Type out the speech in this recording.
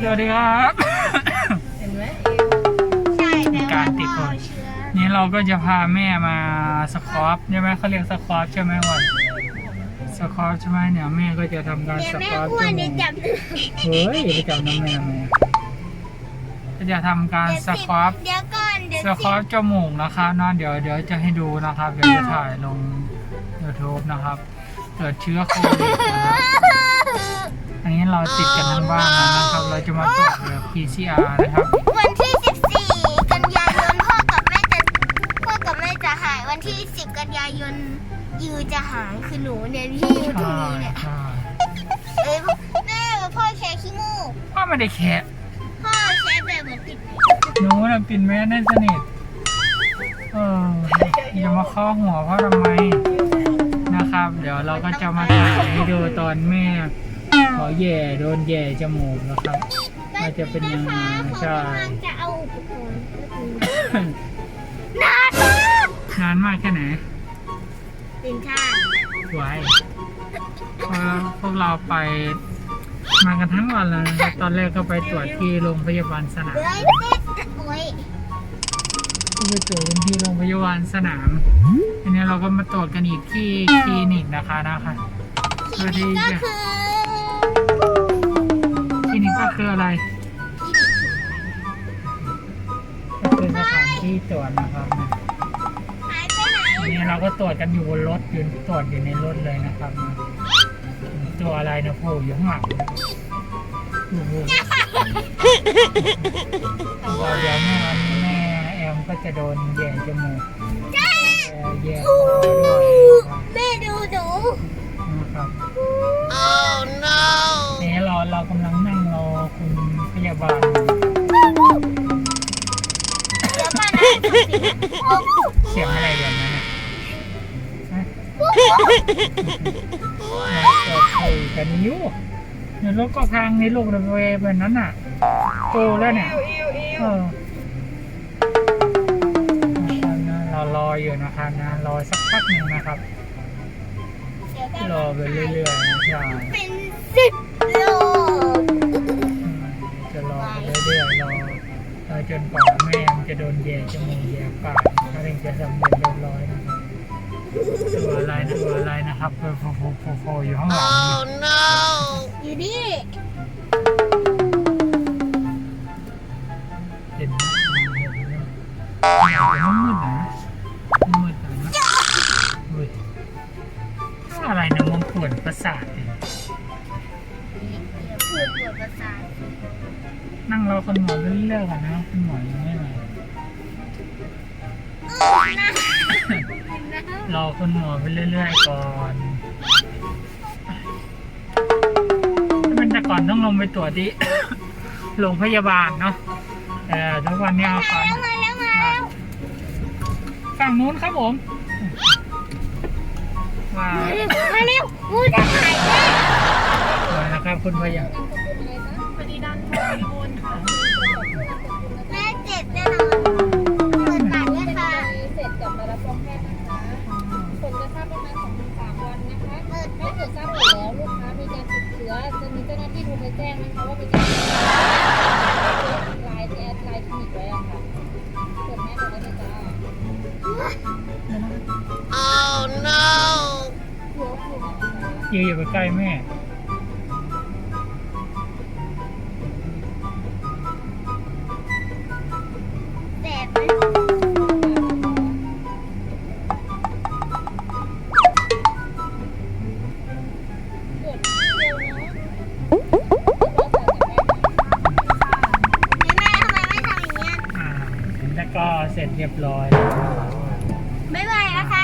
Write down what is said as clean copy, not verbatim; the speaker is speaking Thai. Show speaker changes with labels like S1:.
S1: สวัสดีครับ
S2: เห็นไหม
S3: ใช่
S1: มี
S3: แต่
S1: กา
S3: ว่าร
S1: ติด
S3: พ่
S1: ค
S3: อน เชื้อ
S1: นี่เราก็จะพาแม่มาสครับใช่ไหมเขาเรียกสครับใช่ไหมวันสครับใช่ไหมเนี่ยแม่ก็จะทำการ
S3: เดี๋ยว
S1: ส
S3: แม่
S1: ครับ
S3: อ้
S1: จ
S3: วน
S1: มู
S3: เดี๋ยว
S1: ก
S3: จับ
S1: เฮ้ยไปจับน้ำแม่มาก็จะทำการสครับ
S3: เดี๋ยวก่อนเดี๋ยว
S1: สครับจมูกนะครับนะเดี๋ยวจะให้ดูนะครับเดี๋ยวจะถ่ายลง YouTube นะครับเกิดเชื้อโควิดนะครับอันนี้เราติดกันทั้งบ้านแล้วนะครับ เราจะมาตรวจแบบ PCR นะครับ
S3: วันที่ 14 กันยายนพ่อกับแม่จะหายวันที่ 10 กันยายนยูจะหายคือหนูเนี่ยที่อยู่ตรง
S1: ใช่
S3: นี้เนี่ย
S1: ใช่
S3: เอ้ยแม่พ่อแชร์ขี้มูก
S1: พ่อไม่ได้แคะ
S3: พ่อแชร์แบบเหมือนปิด
S1: หนูน่ะปิดแม่แน่นสนิทอย่ามาเคาะหัวพ่อทำไมนะครับ เดี๋ยวเราก็จะมาถ่ายให้ดูตอนแม่ขอแย่โดนแย่จมูกนะครับว่าจะเป็นยังไง
S3: เขา
S1: ใช่
S3: กำลังจะเอาอุปกรณ์นานมาก
S1: นานมากแค่ไหน
S3: ตื่นชาติ
S1: ไว้พวกเราไปมากันทั้งวันเลยนะครับตอนแรกก็ไปตรวจที่โรงพยาบาลสนาม
S3: เฮ้ยโอ้ย
S1: ก็ไปตรวจกันที่โรงพยาบาลสนามทีนี้เราก็มาตรวจกันอีกที่คลินิกนะคะเพื่อที่
S3: ก็
S1: จะ
S3: คือ
S1: คลินิกก็คืออะไรก็คือสถานที่ตรวจนะครับ
S3: หายไปไหน
S1: ทีนี้เราก็ตรวจกันอยู่บนรถยืนตรวจอยู่ในรถเลยนะครับตัวอะไรนะโผล่อยู่ข้างหลังนะโอ้โหเดี๋ยวแม่แอมก็จะโดนแย่จมูกแย่คอด้วยนะครับ
S3: แม่ดูหนู
S1: นะครับ
S3: oh no
S1: นี่เรากำลังนั่งรอคุณพยาบาล
S3: เดี๋ยวก่อนนะ
S1: เสียงอะไรเดี๋ยวนั้นนะฮะเราคุยกันอยู่ในรถก็ทางในลูกระเวแบบนั้นน่ะโตแล้วเนี่ยเรารออยู่นะครับนะรอสักพักหนึ่งนะครับ รอไปเรื่อยๆนะใช่
S3: เป็น10 โล
S1: จะรอไปเรื่อยๆรอจนกว่าแม่มันจะโดนแย่จมูกแย่ปากถ้าถึงจะสำเร็จเรียบร้อยนะครับตัวอะไรนะครับโผล่อยู่ข้างหลังนี่
S3: อยู่นี่
S1: เห็นไหมมันมืดนะมืดนะอุ้ยอะไรนะมองปวดประสาทเนี่ย
S3: ปวดประสาท
S1: นั่งรอคุณหมอเรื่อยๆกันนะคุณหมอยังไม่มาร อคุณหมอไปเรื่อยๆก่อนถ้าเป็นแต่ก่อนต้องลงไปตรวจที่ โรงพยาบาลเนาะทุกวันนี้เอาก่อน
S3: มาแล้ว
S1: ฝั่งนู้นครับผมมา
S3: มาเร็วกูจะหายแล้ว
S1: เลยนะครับคุณพยา
S2: พอดีดันโอนค่ะ
S3: แม่เจ็บแน่นอนเปิดปากด้วยค่ะ
S2: เสร็จกลับมารับรองแพทย์นะคะผลจะทราบประมาณ 2-3 วันนะคะถ้าเกิดทราบผลแล้วลูกค้ามีการติดเชื้อจะมีเจ้าหน้าที่โทรไปแจ้งนะคะว่ามีการติดเชื้อไลน์ที่แอดไลน์คลินิกไว้อะค่ะกดแม่กดได้เลยจ้า
S3: oh no
S1: ยืนอยู่ใกล้ๆแม่
S3: แสบไหม
S2: กดเดียวเนาะ
S3: แม่ทำไมไม่ทำอย่างเงี้ย
S1: แล้วก็เสร็จเรียบร้อยแล้ว
S3: บ๊ายบายนะคะ